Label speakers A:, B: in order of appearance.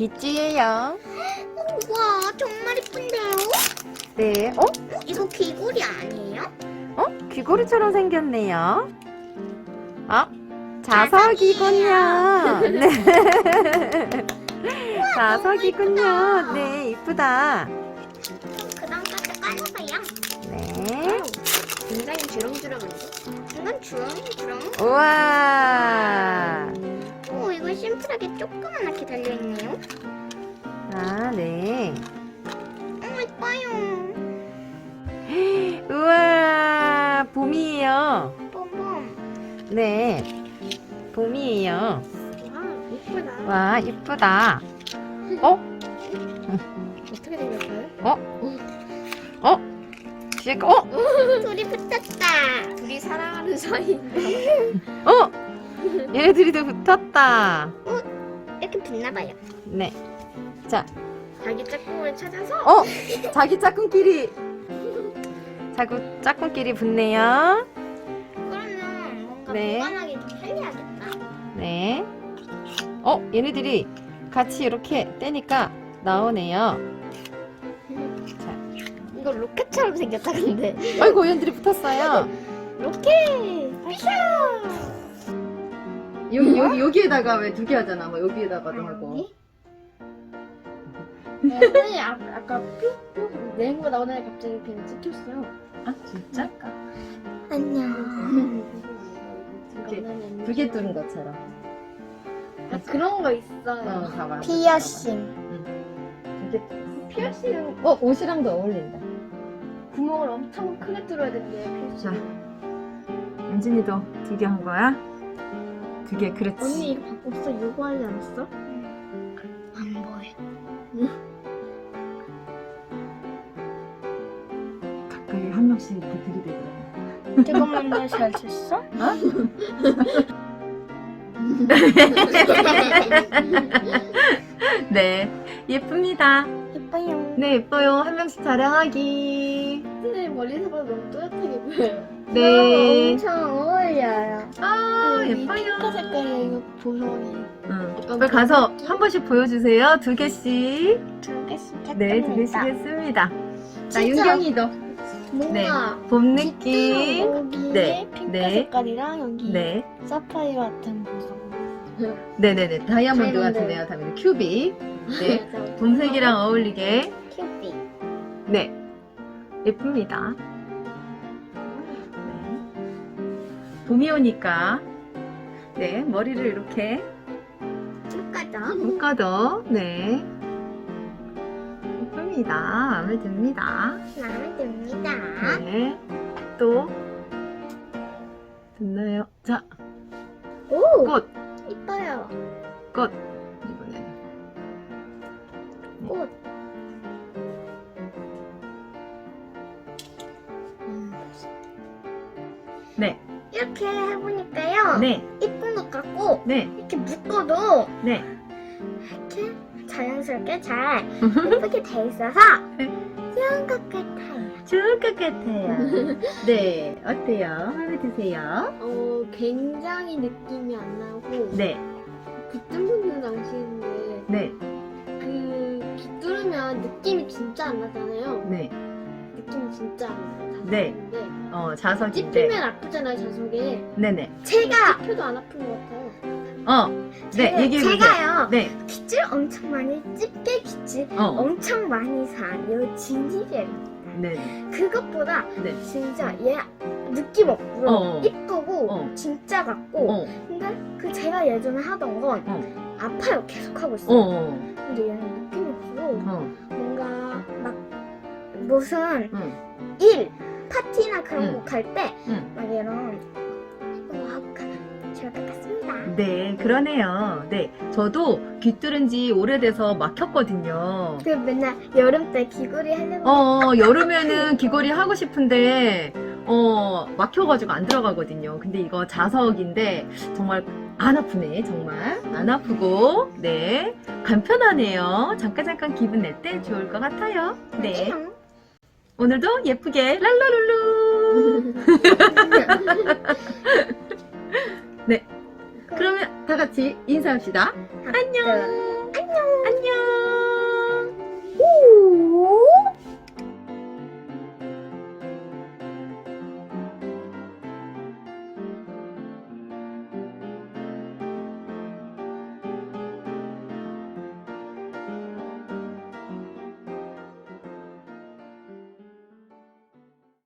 A: 귀찌예요.
B: 우와, 정말 이쁜데요?
A: 네.
B: 이거 귀걸이 아니에요?
A: 귀걸이처럼 생겼네요. 자석이군요. 네. 자석이군요. 네, 이쁘다.
B: 그 다음까지 깔아봐요.
A: 네.
B: 굉장히 주렁주렁한데? 이건 주렁주렁?
A: 우와.
B: 오, 이거 심플하게 조그맣게 달려있네요.
A: 네.
B: 이뻐요.
A: 우와, 봄이에요.
B: 봄봄.
A: 네, 봄이에요.
B: 와, 이쁘다.
A: 와, 이쁘다.
B: 어떻게 생겼어요?
A: 지금,
B: 둘이 붙었다. 둘이 사랑하는 사이인가?
A: 얘네들이 붙었다.
B: 이렇게 붙나봐요.
A: 네. 자,
B: 자기 짝꿍을 찾아서
A: 자기 짝꿍끼리 붙네요.
B: 그러면 뭔가
A: 네.
B: 보관하기 좀 편리하겠다.
A: 네. 얘네들이 같이 이렇게 떼니까 나오네요. 자,
B: 이거 로켓처럼 생겼다 근데.
A: 아이고, 얘네들이 붙었어요.
B: 로켓!
A: 여기에다가 왜 두 개 하잖아. 뭐 여기에다가도 하고.
C: 선생님 아까 뿅뿅 내는 거 나오는 애 갑자기 그냥 찍혔어요.
A: 아, 진짜?
B: 안녕.
A: 두 개 뚫은 것처럼.
C: 아, 그런 거 있어요.
A: 봐봐.
B: 피어싱.
A: 두개
C: 피어싱
A: 옷이랑도 어울린다.
C: 구멍을 엄청 크게 뚫어야 된대요.
A: 자,
C: 피어싱.
A: 은진이도 두 개 한 거야? 두 개, 그렇지.
C: 언니 이거 바꿨어? 요거 하지 않았어?
B: 안 보여.
A: 가까이 한 명씩 이렇게 들이대더라고.
B: 조금만 더 잘 쳤어?
A: 네, 예쁩니다.
B: 예뻐요.
A: 네, 예뻐요. 한 명씩 자랑하기.
C: 선생님 멀리서 봐도 너무 또렷하게 보여요.
A: 네.
B: 엄청 어울려요.
A: 아,
C: 이
A: 예뻐요.
C: 핑크 색깔의 이거 보성이.
A: 빨리 가서 한 번씩 보여주세요. 두 개씩.
B: 두 개씩 했답니다.
A: 네, 두 개씩 했습니다. 자,
B: 진짜
A: 윤경이도. 네,
C: 뭔가
A: 봄 느낌.
C: 여기에
A: 네,
C: 핑크
A: 네.
C: 색깔이랑 여기
A: 네,
C: 사파이어 같은 보성.
A: 네네네. 다이아몬드
B: 다이아몬드.
A: 같은데요. 다이아몬드 큐빅. 네, 봄색이랑 어울리게.
B: 큐빅.
A: 네, 예쁩니다. 네. 봄이 오니까 네, 머리를 이렇게
B: 묶어줘.
A: 묶어도 네, 예쁩니다. 마음에 듭니다.
B: 마음에 듭니다.
A: 네, 또 됐나요? 자,
B: 오!
A: 꽃,
B: 이뻐요.
A: 꽃. 이번에는
B: 꽃.
A: 네,
B: 이렇게 해보니까요.
A: 네,
B: 이쁜 것 같고
A: 네,
B: 이렇게 묶어도
A: 네.
B: 이렇게 자연스럽게 잘 예쁘게 돼 있어서 좋은 것 같아요.
A: 좋을 것 같아요. 네, 어때요? 마음에 드세요?
C: 굉장히 느낌이 안 나고
A: 네,
C: 붙은 분들은 아시는데
A: 네,
C: 그 깃두르면 느낌이 진짜 안 나잖아요.
A: 네,
C: 느낌이 진짜 안 나요.
A: 네.
C: 자석인데
A: 자석인데.
C: 찝히면 아프잖아요. 자석에.
A: 네네.
B: 제가
C: 찝혀도 안 아픈 것 같아요.
A: 네, 얘기해보세요.
B: 제가요
A: 네,
B: 깃줄 엄청 많이 집게 깃줄 엄청 많이 산 진지젤
A: 네,
B: 그것보다
A: 네.
B: 진짜 얘 느낌 없고 이쁘고 진짜 같고 근데 그 제가 예전에 하던 건 아파요. 계속 하고 있어요. 근데 얘는 느낌이 없어. 뭔가 막 무슨 일 파티나 그런 거 갈 때 막 이런 하고 좋을 것 같습니다.
A: 네, 그러네요. 네, 저도 귀 뚫은 지 오래돼서 막혔거든요.
B: 그 맨날 여름 때 귀걸이 하려고
A: 여름에는 귀걸이 하고 싶은데, 막혀가지고 안 들어가거든요. 근데 이거 자석인데, 정말 안 아프네, 정말. 안 아프고, 네. 간편하네요. 잠깐 기분 낼 때 좋을 것 같아요. 네. 오늘도 예쁘게 랄라룰루! 네. 그러면 다 같이 인사합시다.
B: 안녕.